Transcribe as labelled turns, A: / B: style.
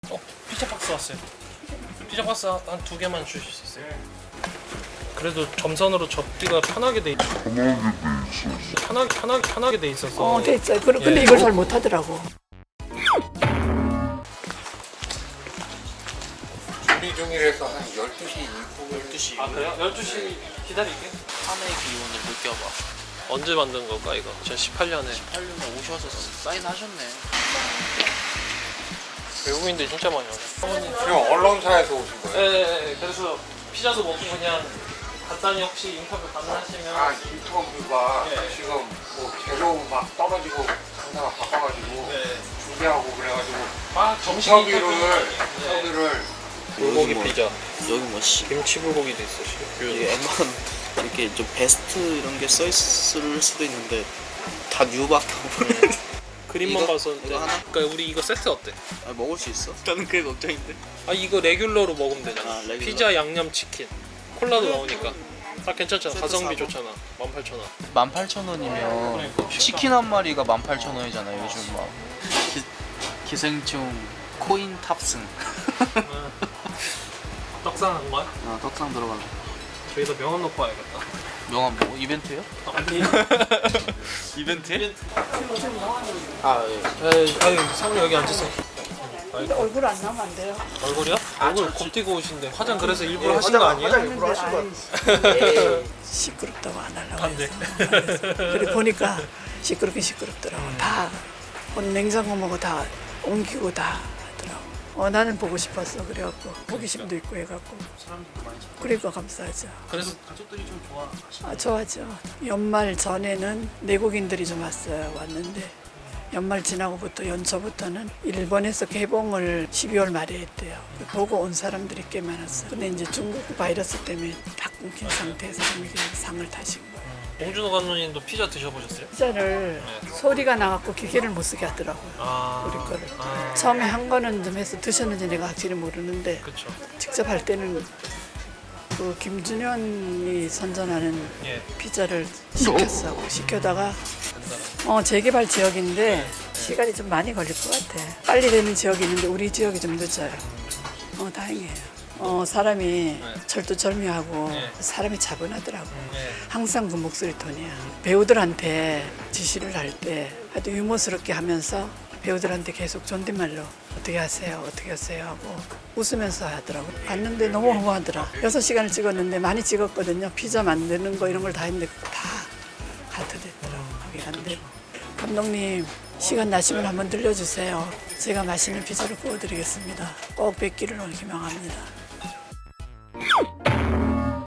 A: 피자 박스 왔어요. 피자 박스 한 2개만 주실 수 있어요? 그래도 점선으로 접기가 편하게 돼 있어서 편하게 돼 있어서.
B: 돼 있어요. 근데 이걸 잘 못하더라고.
C: 준비 중이라서 한 12시 이후
D: 12시
A: 아 그래요? 12시 기다릴게.
D: 한해 기운을 느껴봐.
A: 언제 만든 걸까 이거? 2018년에.
D: 8년에 오셔서 사인하셨네.
A: 외국인들 진짜 많이 오네.
C: 지금 언론사에서 오신 거예요?
A: 네, 그래서 피자도 먹고 그냥 간단히 혹시 인터뷰 가능하시면.
C: 아 인터뷰가
A: 네.
C: 지금 뭐 재료 막 떨어지고 장사가 바빠가지고
A: 네.
C: 준비하고 그래가지고
A: 정식
C: 인터뷰를
A: 불고기 피자,
D: 여기 뭐
A: 김치 불고기도 있어.
D: 이게 웬만 이렇게 좀 베스트 이런 게 써 있을 수도 있는데 다 뉴박하고
A: 그림만
D: 이거?
A: 봤었는데.
D: 이거 하나?
A: 그러니까 우리 이거 세트 어때?
D: 아, 먹을 수 있어? 나는 그게 걱정인데.
A: 아 이거 레귤러로 먹으면 되잖아.
D: 아, 레귤러.
A: 피자 양념 치킨 콜라도 나오니까 딱 괜찮잖아.
D: 세트
A: 가성비
D: 사고.
A: 좋잖아. 18,000원.
D: 18,000원이면 치킨 한 마리가 18,000원이잖아요 요즘 막 기생충 코인 탑승.
A: 떡상한 거야?
D: 떡상 들어가고.
A: 저기다 명함 넣고 와야겠다.
D: 명함 뭐 이벤트요?
A: 아니.
D: 이벤트?
A: 아 예. 아유 사모님 여기 앉으세요.
B: 근데 얼굴 안 나오면 안 돼요.
A: 얼굴이요? 얼굴 곱디고 오신데 화장 그래서 일부러 하신 거 아니에요?
B: 시끄럽다고 안 하려고
A: 안 돼.
B: 해서. 그래 보니까 시끄럽긴 시끄럽더라고. 다 냉장고 뭐고 다 옮기고 다 하더라고. 나는 보고 싶었어. 그래갖고 호기심도 있고 해갖고. 그러니까 감사하죠.
A: 그래서 가족들이 좀 좋아하시나요?
B: 좋아하죠. 연말 전에는 내국인들이 좀 왔는데 연말 지나고부터 연초부터는 일본에서 개봉을 12월 말에 했대요. 보고 온 사람들이 꽤 많았어요. 근데 이제 중국 바이러스 때문에 다 끊긴 상태에서 이게 상을 타신 거예요.
A: 봉준호 감독님도 피자 드셔보셨어요?
B: 피자를 소리가 나갖고 기계를 못 쓰게 하더라고요.
A: 아,
B: 우리 거를.
A: 아,
B: 처음에 한 거는 좀 해서 드셨는지 내가 확실히 모르는데
A: 그렇죠.
B: 직접 할 때는 그 김준현이 선전하는
A: 예.
B: 피자를 시켰어. 시켜다가 재개발 지역인데 시간이 좀 많이 걸릴 것 같아. 빨리 되는 지역이 있는데 우리 지역이 좀 늦어요. 다행이에요. 사람이 철두철미하고
A: 네.
B: 사람이 차분하더라고.
A: 예.
B: 항상 그 목소리 톤이야. 배우들한테 지시를 할 때 아주 유머스럽게 하면서 배우들한테 계속 존댓말로 어떻게 하세요 하고 웃으면서 하더라고. 봤는데 너무 허무하더라. 6시간을 찍었는데 많이 찍었거든요. 피자 만드는 거 이런 걸 다 했는데 다 가트됐더라고. 거기 안 되고. 감독님 시간 나시면 한번 들려주세요. 제가 맛있는 피자를 구워드리겠습니다. 꼭 뵙기를 기망합니다.